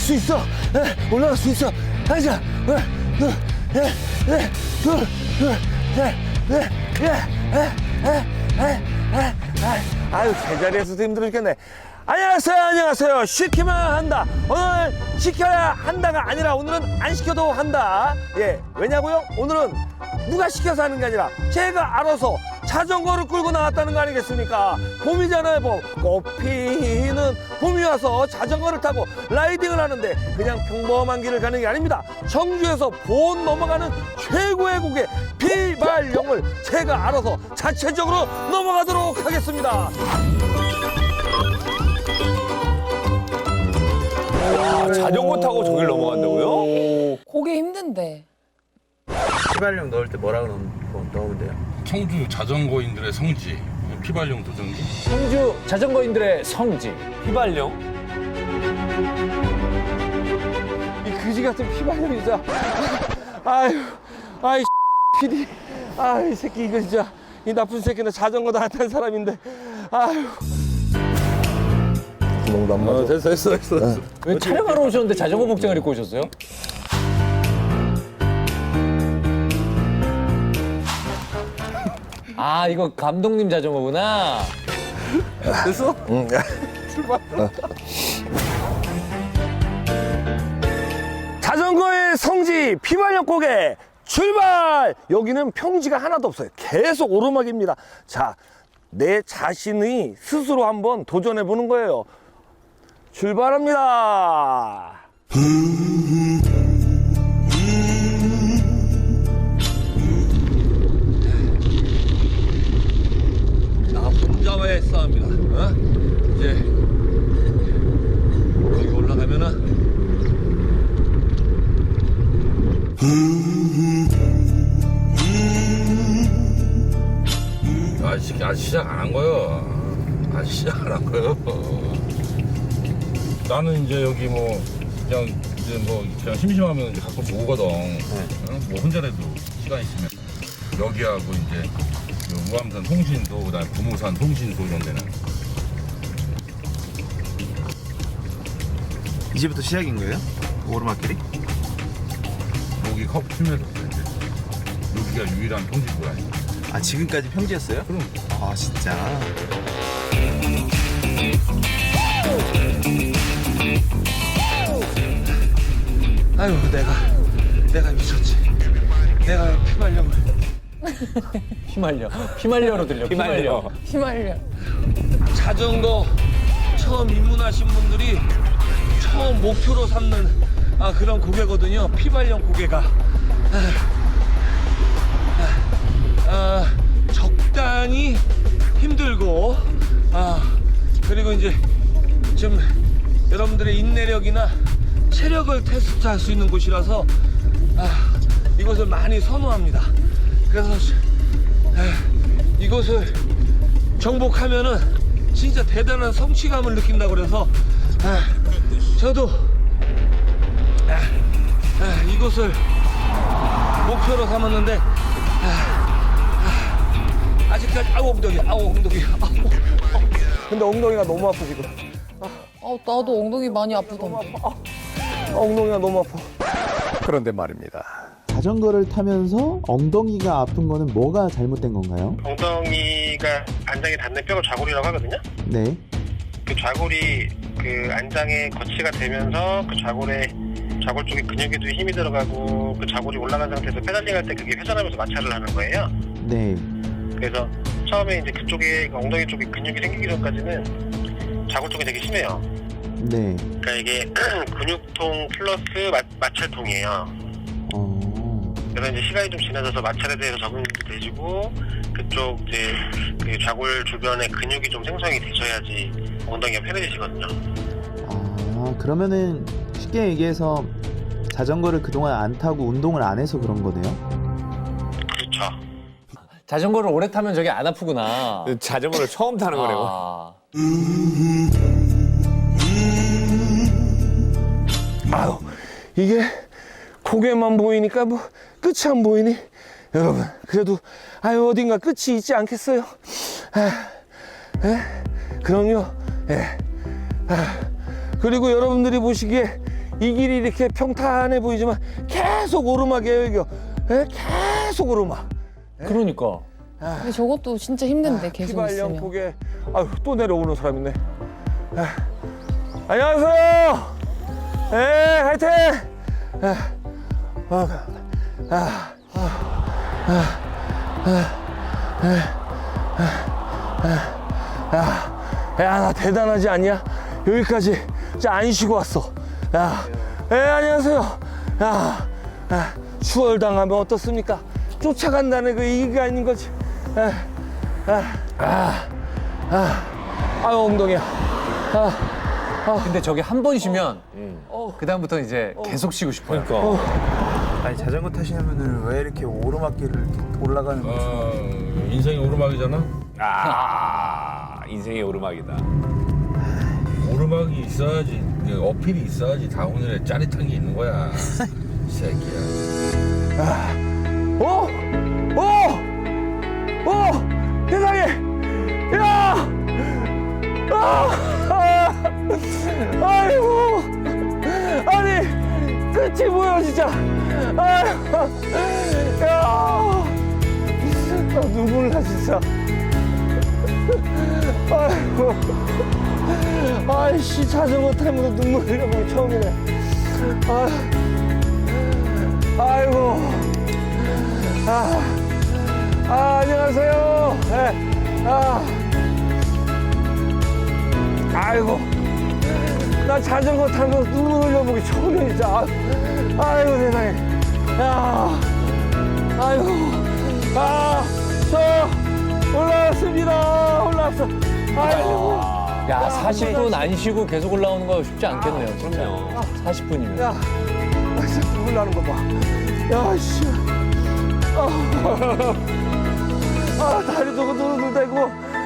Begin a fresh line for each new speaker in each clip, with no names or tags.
수 있어. 올라갈 수 있어. 하자. 아유, 제자리에서도 힘들어 죽겠네. 안녕하세요. 시키면 한다. 오늘 시켜야 한다가 아니라 오늘은 안 시켜도 한다. 예, 왜냐고요? 오늘은 누가 시켜서 하는 게 아니라 제가 알아서 자전거를 끌고 나왔다는 거 아니겠습니까? 봄이잖아요, 봄. 꽃피는 봄이 와서 자전거를 타고 라이딩을 하는데 그냥 평범한 길을 가는 게 아닙니다. 청주에서 본 넘어가는 최고의 곡의 비발령을 제가 알아서 자체적으로 넘어가도록 하겠습니다.
자전거 타고 저길 넘어간다고요?
고개 힘든데.
비발령 넣을 때 뭐라고 넣으면 돼요?
청주 자전거인들의 성지 피발령 도전기.
청주 자전거인들의 성지 휘발령.
이 그지 같은 피발령이 진짜. 아이 PD. 이 새끼 이거 진짜 이 나쁜 새끼는 자전거도 안 탄 사람인데. 아유. 구멍도 안 맞아. 됐어.
왜 촬영하러 오셨는데 자전거 복장을 입고 오셨어요? 아, 이거 감독님 자전거구나.
됐어? 응.
출발.
자전거의 성지 피발령 고개 출발! 여기는 평지가 하나도 없어요. 계속 오르막입니다. 자, 내 자신이 스스로 한번 도전해 보는 거예요. 출발합니다. 나 혼자와의 싸움이다. 이제 여기 올라가면은
아직 시작 안 한 거요. 아직 시작 안 한 거요. 나는 이제 여기 뭐 그냥 심심하면 이제 가끔 오거든. 응? 뭐 혼자라도 시간 있으면 여기하고 이제 우암산 통신소, 그다음에 부모산 통신소 이런 데는.
이제부터 시작인 거예요? 오르막길이?
여기 컵 풀면서 이제 여기가 유일한 통신소야.
아, 지금까지 평지였어요?
그럼.
아, 진짜.
아유, 내가 미쳤지. 내가 피발령을.
휘말려로 들려. 휘말려.
휘말려.
자전거 처음 입문하신 분들이 처음 목표로 삼는 그런 고개거든요. 피발령 고개가. 적당히 힘들고, 그리고 이제 좀 여러분들의 인내력이나 체력을 테스트할 수 있는 곳이라서 이곳을 많이 선호합니다. 그래서 이곳을 정복하면은 진짜 대단한 성취감을 느낀다고 그래서 저도 이곳을 목표로 삼았는데 아직까지 엉덩이. 근데 엉덩이가 너무 아프 지금.
나도 엉덩이 많이 아프던데.
엉덩이가 너무 아파.
그런데 말입니다.
자전거를 타면서 엉덩이가 아픈 거는 뭐가 잘못된 건가요?
엉덩이가 안장에 닿는 뼈가 좌골이라고 하거든요.
네.
그 좌골이 그 안장에 거치가 되면서 그 좌골 쪽에 근육에도 힘이 들어가고 그 좌골이 올라간 상태에서 페달링 할 때 그게 회전하면서 마찰을 하는 거예요.
네.
그래서 처음에 이제 그쪽에 엉덩이 쪽에 근육이 생기기 전까지는 좌골 쪽이 되게 심해요.
네.
그러니까 이게 근육통 플러스 마찰통이에요. 그래서 이제 시간이 좀 지나서 마찰에 대해서 적응이 되시고 그쪽 이제 그 좌골 주변에 근육이 좀 생성이 되셔야지 엉덩이가 편해지시거든요.
그러면은 쉽게 얘기해서 자전거를 그동안 안 타고 운동을 안 해서 그런 거네요?
그렇죠.
자전거를 오래 타면 저게 안 아프구나.
자전거를 처음 타는 거네요.
아유, 이게 고개만 보이니까 뭐 끝이 안 보이니? 여러분, 그래도 어딘가 끝이 있지 않겠어요? 그럼요. 그리고 여러분들이 보시기에 이 길이 이렇게 평탄해 보이지만 계속 오르막이에요, 이거. 예? 계속 오르막.
그러니까.
근데 저것도 진짜 힘든데 계속
휘발령
있으면.
폭에 아유 또 내려오는 사람 있네. 안녕하세요. 예, 화이팅. 야, 나 대단하지 않냐? 여기까지 진짜 안 쉬고 왔어. 야, 예, 안녕하세요. 야, 추월당하면 어떻습니까? 쫓아간다는 그 얘기가 아닌 거지. 아유, 엉덩이야.
근데 저게 한 번 쉬면 그다음부터 이제 계속 쉬고 싶어요.
그러니까. 아니 자전거 타시는 분들은 왜 이렇게 오르막길을 이렇게 올라가는 거죠?
인생이 오르막이잖아.
인생의 오르막이다.
오르막이 있어야지, 어필이 있어야지 다운힐에 짜릿한 게 있는 거야. 이 새끼야.
세상에! 야! 아이고! 아니, 끝이 뭐야, 진짜! 아이고! 야! 나 눈물 나, 진짜. 아이고! 아이씨, 자전거 타면서 눈물 흘려보기 처음이네. 아이고! 안녕하세요. 네. 아이고. 나 자전거 타면서 눈물 흘려보기 처음이야, 진짜. 아이고, 세상에. 야. 아이고. 저 올라왔습니다. 올라왔어. 아이고.
야, 40분 안 쉬고 계속 올라오는 거 쉽지 않겠네요, 진짜.
그럼요.
40분이면.
야. 진짜 눈물 나는 거 봐. 야, 씨. 다리 저거 두들대고.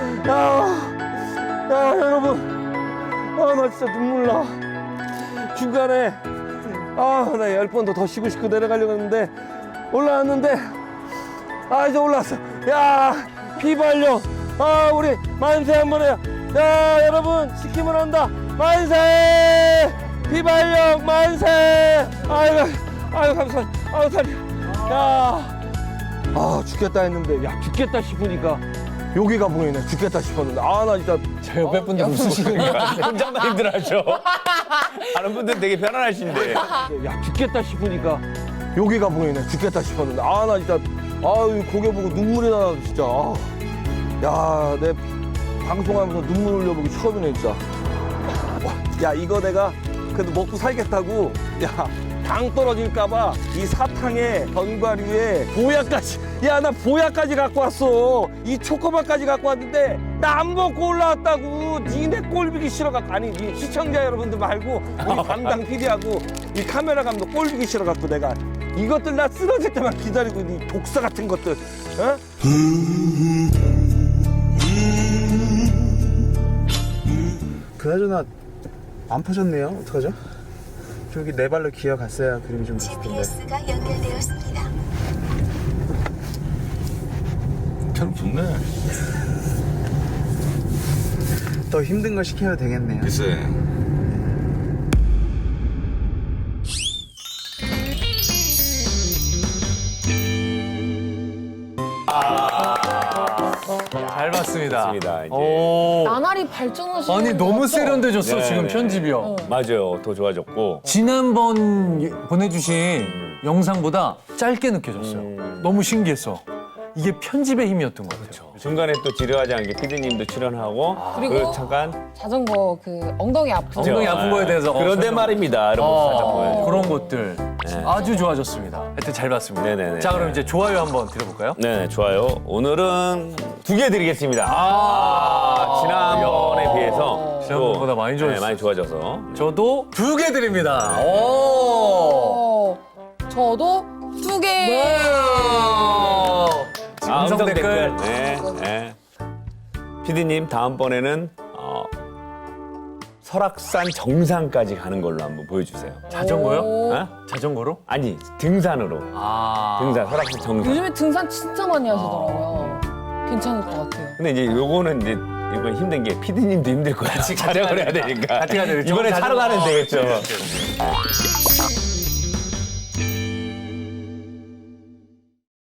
야, 여러분. 나 진짜 눈물 나. 중간에, 나 10번 더 쉬고 싶고 내려가려고 했는데, 올라왔는데, 이제 올라왔어. 야, 휘발령. 우리 만세 한번 해요. 야, 여러분, 시키면 한다. 만세! 휘발령 만세! 아이고, 감사합니다. 다리. 야. 죽겠다 했는데, 야, 죽겠다 싶으니까 여기가 보이네. 죽겠다 싶었는데. 나 진짜.
저 옆에 분들 웃으시는 거야.
혼자만 힘들어하죠. 다른 분들은 되게 편안하신데.
야, 죽겠다 싶으니까 여기가 보이네. 죽겠다 싶었는데. 나 진짜. 고개 보고 눈물이 나, 진짜. 야, 내 방송하면서 눈물 흘려보기 처음이네, 진짜. 야, 이거 내가 그래도 먹고 살겠다고. 야. 당 떨어질까봐 이 사탕에 견과류에 보약까지, 야, 나 보약까지 갖고 왔어. 이 초코바까지 갖고 왔는데 나 안 먹고 올라왔다고. 니네 꼴보기 싫어갖고. 아니, 니 시청자 여러분들 말고 우리 담당 PD하고 이 카메라 감독 꼴보기 싫어갖고 내가 이것들 나 쓰러질 때만 기다리고, 이 독사 같은 것들.
그나저나 안 퍼졌네요. 어떡하죠? 저기 네 발로 기어갔어야 그림이 좀 좋던데.
GPS가 연결되었습니다.
참 좋네.
더 힘든 거 시켜야 되겠네요.
글쎄.
잘 봤습니다.
맞습니다, 이제.
오.
나날이 발전하시는
아니, 너무
것 같죠?
세련돼졌어,
네,
지금
네.
편집이요.
맞아요. 더 좋아졌고.
지난번 보내주신 영상보다 짧게 느껴졌어요. 너무 신기했어. 이게 편집의 힘이었던 것 같아요.
중간에 또 지루하지 않게 피디님도 출연하고.
그리고
잠깐.
자전거 그 엉덩이 아픈
엉덩이 아픈 거에 대해서
그런데
설명.
말입니다. 이런 거 살짝 보여줘.
그런 것들 아주 좋아졌습니다. 하여튼 잘 봤습니다.
네네네.
자, 그럼 이제 좋아요 한번 드려볼까요?
네, 좋아요. 오늘은 2개 드리겠습니다. 지난번에 비해서
지난번보다 많이 좋아졌어요.
네, 많이 좋아져서.
저도 2개 드립니다. 오.
저도 2개.
음성 댓글.
네, 네. 피디님 다음번에는 설악산 정상까지 가는 걸로 한번 보여주세요.
자전거요?
오.
어?
자전거로?
아니, 등산으로. 등산, 설악산 정상.
요즘에 등산 진짜 많이 하시더라고요. 괜찮을 것 같아요.
근데 이제 요거는 이제 이번 힘든 게 PD님도 힘들 거야. 촬영을 해야 되니까.
같이 가야 되겠죠.
이번에 차로 가면 되겠죠.